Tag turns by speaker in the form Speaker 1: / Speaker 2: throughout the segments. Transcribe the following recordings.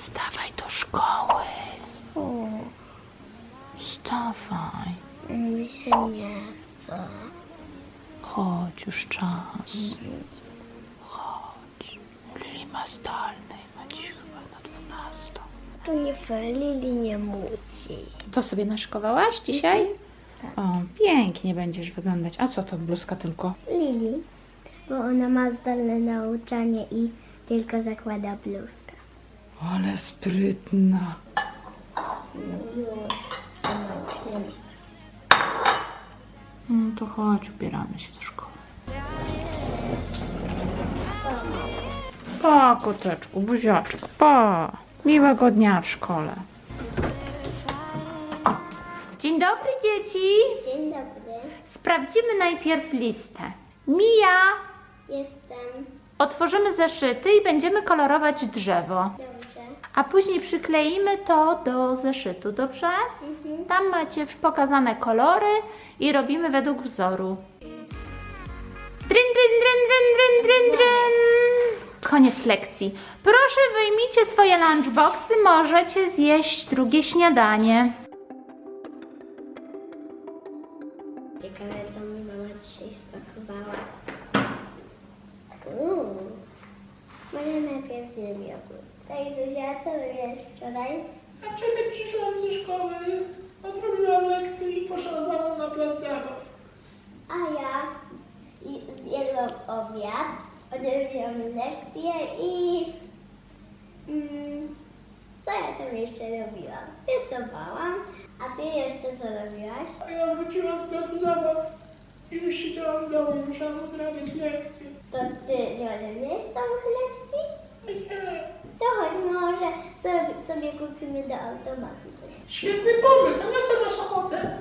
Speaker 1: Wstawaj do szkoły. Wstawaj.
Speaker 2: Mi się nie chce.
Speaker 1: Chodź, już czas. Chodź. Lili ma zdalny, ma dziś chyba na 12.
Speaker 2: To nie fair, Lili nie musi.
Speaker 1: To sobie naszykowałaś dzisiaj? O, pięknie będziesz wyglądać. A co to bluzka tylko?
Speaker 2: Lili, bo ona ma zdalne nauczanie i tylko zakłada bluzkę.
Speaker 1: Ale sprytna.
Speaker 2: Już,
Speaker 1: No to chodź, ubieramy się do szkoły. Pa, koteczku, buziaczku, pa. Miłego dnia w szkole. Dzień dobry, dzieci.
Speaker 2: Dzień dobry,
Speaker 1: Sprawdzimy najpierw listę. Mija,
Speaker 2: jestem.
Speaker 1: otworzymy zeszyty i będziemy kolorować drzewo.
Speaker 2: Dobrze.
Speaker 1: A później przykleimy to do zeszytu, dobrze? Tam macie pokazane kolory i robimy według wzoru. Dryn, dryn, dryn, dryn, dryn, dryn, dryn. Koniec lekcji. Proszę, wyjmijcie swoje lunchboxy, możecie zjeść drugie śniadanie.
Speaker 2: Ciekawe, co mi mama dzisiaj spakowała. Może najpierw zjem jogurt. Tak, Zuzia, co robiłaś wczoraj?
Speaker 3: A wczoraj przyszłam ze szkoły, odrobiłam lekcję i poszłam na plac zabaw.
Speaker 2: A ja zjadłam obiad, odrobiłam lekcję i... co ja tam jeszcze robiłam? Rysowałam, a ty jeszcze co robiłaś?
Speaker 3: A ja wróciłam z placu zabaw i już siedziałam w domu, musiałam odrabiać lekcję.
Speaker 2: To ty nie odebrałeś całych lekcji?
Speaker 3: Nie,
Speaker 2: To chodź, może sobie kupimy do automatu coś.
Speaker 3: świetny pomysł, a na co masz ochotę?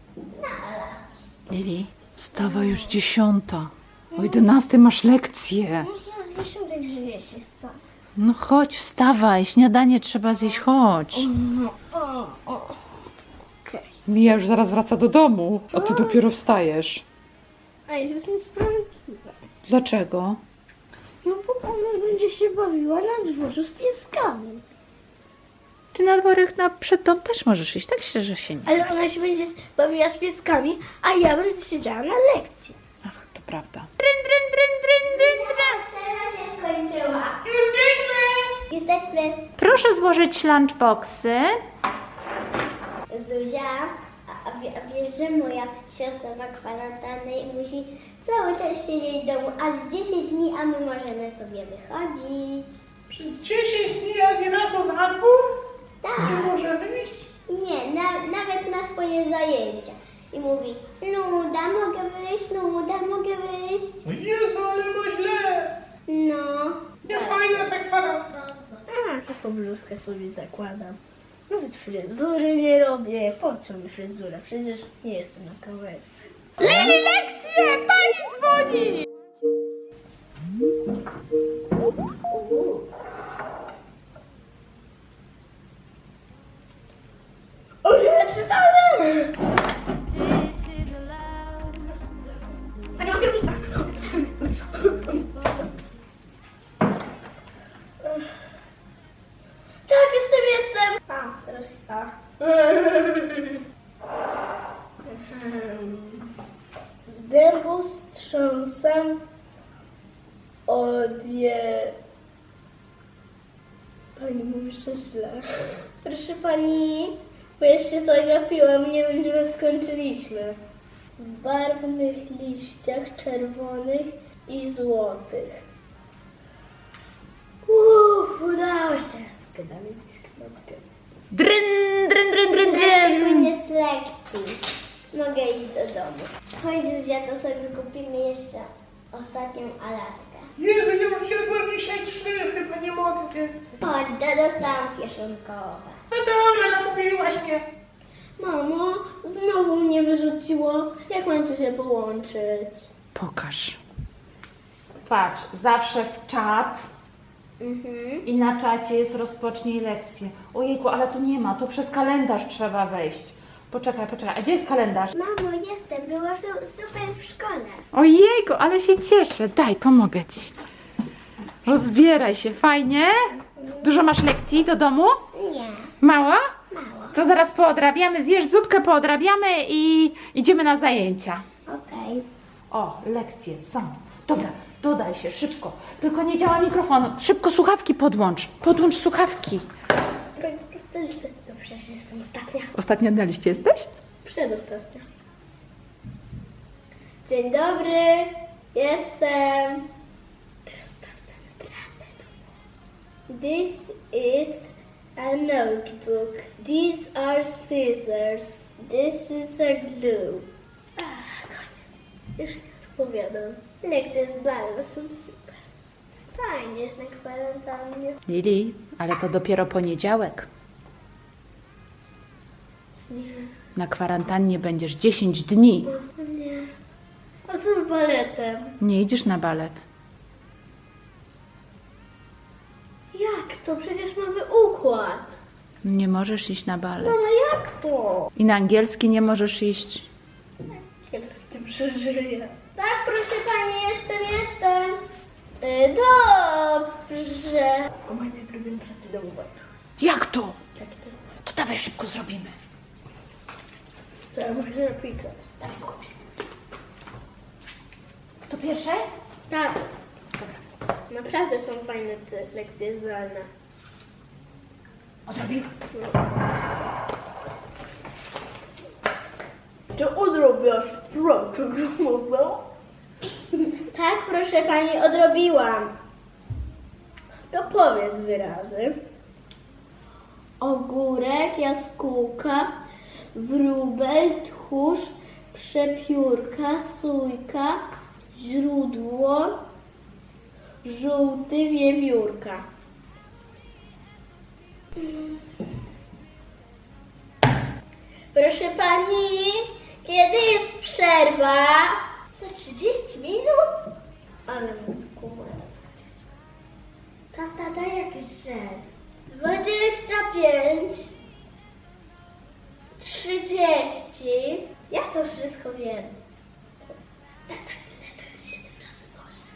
Speaker 1: Lili, wstawaj już 10. O 11 masz lekcję.
Speaker 2: Może 10:30 się stąd.
Speaker 1: No chodź, wstawaj, śniadanie trzeba zjeść, chodź.
Speaker 2: Okej.
Speaker 1: Mija już zaraz wraca do domu, a ty dopiero wstajesz.
Speaker 2: A to jest niesprawiedliwe.
Speaker 1: Dlaczego?
Speaker 2: No bo ona będzie się bawiła na dworzu z pieskami.
Speaker 1: Ty na dworek przed dom też możesz iść, tak się, że się nie.
Speaker 2: Ale ona się będzie bawiła z pieskami, a ja będę siedziała na lekcji.
Speaker 1: Ach, to prawda. Dryn, dryn, dryn, dryn, dryn, dryn.
Speaker 2: Teraz się skończyła. Jesteśmy.
Speaker 1: Proszę złożyć lunchboxy.
Speaker 2: Zuzia, a wiesz, że moja siostra ma kwarantannę i musi cały czas siedzieć w domu, aż 10 dni, a my możemy sobie wychodzić.
Speaker 3: Przez 10 dni ani razu na dwór?
Speaker 2: Tak.
Speaker 3: Nie możemy iść?
Speaker 2: Nie, nawet na swoje zajęcia. I mówi, Luda, mogę wyjść, Luda, mogę wyjść.
Speaker 3: O Jezu, ale ma źle.
Speaker 2: No.
Speaker 3: Nie fajna ta kwarantanna.
Speaker 2: A, taką bluzkę sobie zakładam. Nawet fryzury nie robię. Po co mi fryzura? Przecież nie jestem na kamerce.
Speaker 1: Lili, lekcje! Pani dzwoni!
Speaker 2: O nie, czytamy! Tak, jestem. A, teraz ja. Z dębu strząsam Pani mówi, że źle. Proszę pani, bo ja się zagapiłam, nie wiem, czy my skończyliśmy. W barwnych liściach czerwonych i złotych. Udało się. Gadamy gdzieś kropkę.
Speaker 1: Dryn, dryn, dryn, dryn,
Speaker 2: Wreszcie
Speaker 1: dryn.
Speaker 2: koniec lekcji. Mogę iść do domu. Chodź, Zuzia, to sobie kupimy jeszcze ostatnią Alaskę.
Speaker 3: Jezu, nie już jadłem dzisiaj 3, chyba nie mogę więcej.
Speaker 2: Chodź, dostałam kieszonkowe.
Speaker 3: No dobra, namówiłaś mnie.
Speaker 2: Mamo, znowu mnie wyrzuciło. Jak mam tu się połączyć?
Speaker 1: Pokaż. Patrz, zawsze w czat i na czacie jest rozpocznij lekcję. Ojejku, ale tu nie ma, to przez kalendarz trzeba wejść. Poczekaj, a gdzie jest kalendarz?
Speaker 2: Mamo, jestem. Było super w szkole.
Speaker 1: Ojejku, ale się cieszę. Daj, pomogę ci. Rozbieraj się, fajnie? Dużo masz lekcji do domu?
Speaker 2: Nie,
Speaker 1: Mało?
Speaker 2: mało.
Speaker 1: To zaraz poodrabiamy, zjesz zupkę, poodrabiamy i idziemy na zajęcia.
Speaker 2: Okej.
Speaker 1: O, lekcje są. Dobra, dodaj się szybko. Tylko nie działa mikrofon. Szybko słuchawki podłącz. Podłącz słuchawki.
Speaker 2: Koniec procesu. No przecież jestem ostatnia.
Speaker 1: Ostatnia na liście jesteś?
Speaker 2: Przedostatnia. Dzień dobry. Jestem. Teraz sprawdzamy pracę. This is a notebook. These are scissors. This is a glue. Koniec. Już nie odpowiadam. Lekcje zdalne są super. Fajnie jest na kwarantannie.
Speaker 1: Lili, ale to dopiero poniedziałek.
Speaker 2: Nie.
Speaker 1: Na kwarantannie będziesz 10 dni.
Speaker 2: Nie. A co z baletem?
Speaker 1: Nie idziesz na balet.
Speaker 2: Jak to? Przecież mamy układ.
Speaker 1: Nie możesz iść na balet.
Speaker 2: Mama, jak to?
Speaker 1: I na angielski nie możesz iść.
Speaker 2: Jest tym przeżyję. Tak, proszę pani, jestem. Dobrze. O mojej najpierw pracy domowej.
Speaker 1: Jak to?
Speaker 2: Jak to?
Speaker 1: To dawaj szybko zrobimy.
Speaker 2: To ja muszę napisać.
Speaker 1: Dawaj długopis. To pierwsze?
Speaker 2: Tak. Naprawdę są fajne te lekcje zdalne.
Speaker 1: Odrobimy.
Speaker 2: Czy odrobiłaś pracę domową? Tak, proszę pani, odrobiłam. To powiedz wyrazy. Ogórek, jaskółka, wróbel, tchórz, przepiórka, sójka, źródło, żółty, wiewiórka. Proszę pani, kiedy jest przerwa? Za 30 minut? Ale wódku, tata, daj jakiś żel. 25, 30. Ja to wszystko wiem. Tata, ile to jest 7 razy Boże?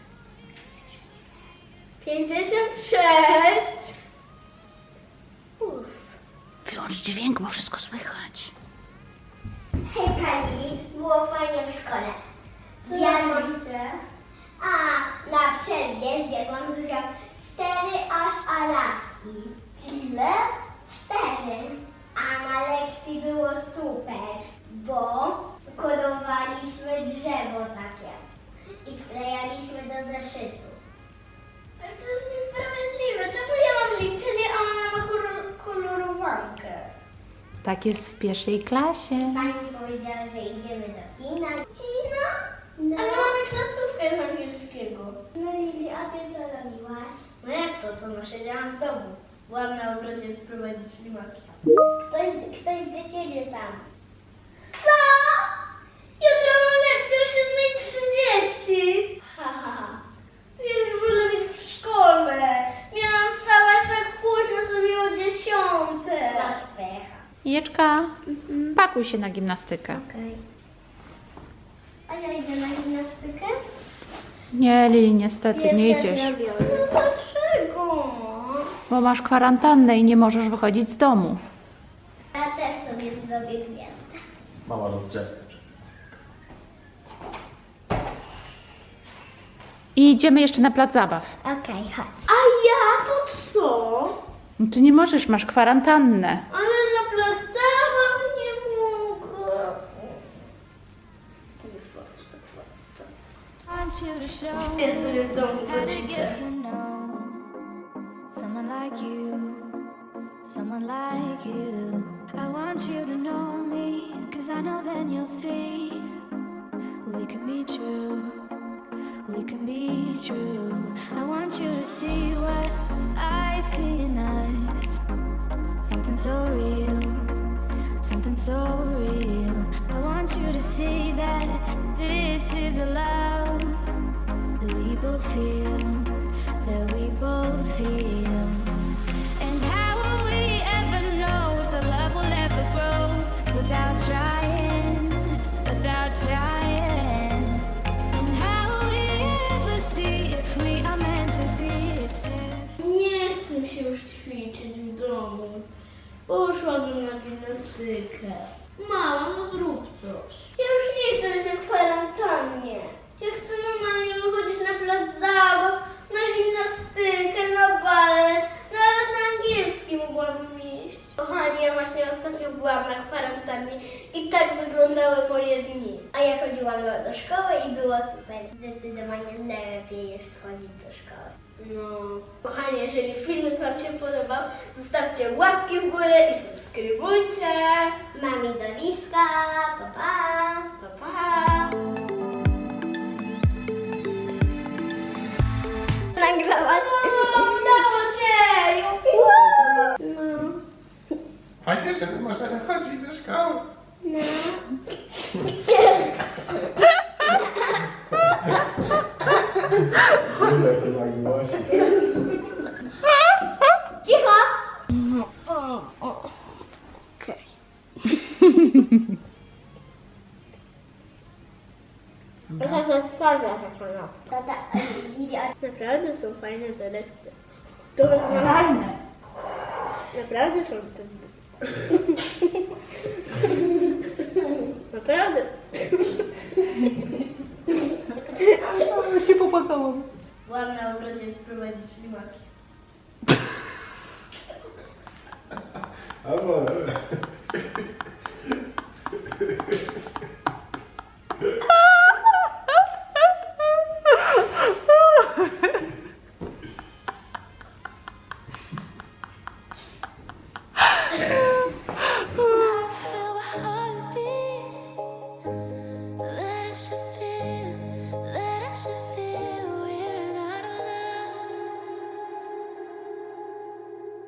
Speaker 2: 56. Uff.
Speaker 1: Wyłącz dźwięk, bo wszystko słychać.
Speaker 4: Hej pani, było fajnie w szkole.
Speaker 2: Co
Speaker 4: Zjadłam,
Speaker 2: robicie?
Speaker 4: a na przerwie zjadłam Zuzia 4 aż Alaski.
Speaker 2: Ile?
Speaker 4: 4. A na lekcji było super, bo kolorowaliśmy drzewo takie i wklejaliśmy do zeszytu.
Speaker 2: Ale to jest niesprawiedliwe. Czemu ja mam liczenie, a ona ma kolorowankę?
Speaker 1: Tak jest w pierwszej klasie.
Speaker 4: Pani powiedziała, że idziemy do kina.
Speaker 2: Kino?
Speaker 4: No.
Speaker 2: Ale mamy klasówkę z angielskiego.
Speaker 4: No Lili, a ty co robiłaś?
Speaker 2: No jak to, co? No siedziałam w domu. Byłam na ogrodzie wprowadzić ślimaki.
Speaker 4: Ktoś do ciebie tam.
Speaker 2: Co? Jutro mam lekcję o 7:30. Ha, ha, ha. To ja już wolę być w szkole. Miałam wstawać tak późno, sobie o 10:00.
Speaker 4: Masz pecha.
Speaker 1: Jeczka, pakuj się na gimnastykę.
Speaker 2: Okej. A ja idę na gimnastykę?
Speaker 1: Nie, Lili, niestety nie idziesz.
Speaker 2: No dlaczego?
Speaker 1: Bo masz kwarantannę i nie możesz wychodzić z domu.
Speaker 4: Ja też sobie zrobię gwiazdę.
Speaker 3: Mama rozdzielnia.
Speaker 1: I idziemy jeszcze na plac zabaw.
Speaker 4: Okej, chodź.
Speaker 2: A ja to co?
Speaker 1: No ty nie możesz, masz kwarantannę.
Speaker 2: Ale na plac zabaw nie mogę.
Speaker 5: want you to show
Speaker 2: Ja sobie w domu
Speaker 5: how to
Speaker 2: poćwiczę.
Speaker 5: get to know someone like you, someone like you. I want you to know me, 'cause I know then you'll see we can be true, we can be true. I want you to see what I see in us, something so real, something so real. I want you to see that this is a love that we both feel, that we both feel. And how will we ever know if the love will ever grow without trying, without trying? And how will we ever see if we are meant to be? It's different.
Speaker 2: Nie chcę mi się już ćwiczyć w domu. Poszłabym na gimnastykę. Mama, no zrób coś. Ja już nie chcę być na kwarantannie. Ja chcę normalnie wychodzić na plac zabaw, na gimnastykę, na balet, nawet na angielski mogłabym iść. Kochani, ja właśnie ostatnio byłam na kwarantannie i tak wyglądały moje dni.
Speaker 4: A ja chodziłam do szkoły i było super. Zdecydowanie lepiej niż schodzić do szkoły.
Speaker 2: No, kochani, jeżeli filmik Wam się podobał, zostawcie łapki w górę i subskrybujcie.
Speaker 4: Mami do wiska, pa pa!
Speaker 2: Pa, pa!
Speaker 4: Nagrałaś?
Speaker 2: Udało się! Juhu! No.
Speaker 3: Fajnie, że my możemy chodzić do szkoły.
Speaker 4: Cicho!
Speaker 2: Trochę za twarda taka.
Speaker 4: Tata, Lidia,
Speaker 2: Naprawdę są fajne te lekcje. To
Speaker 1: Fajne.
Speaker 2: naprawdę są te Naprawdę.
Speaker 1: Się popłakałam.
Speaker 2: Byłam na ogrodzie wprowadzić ślimaki.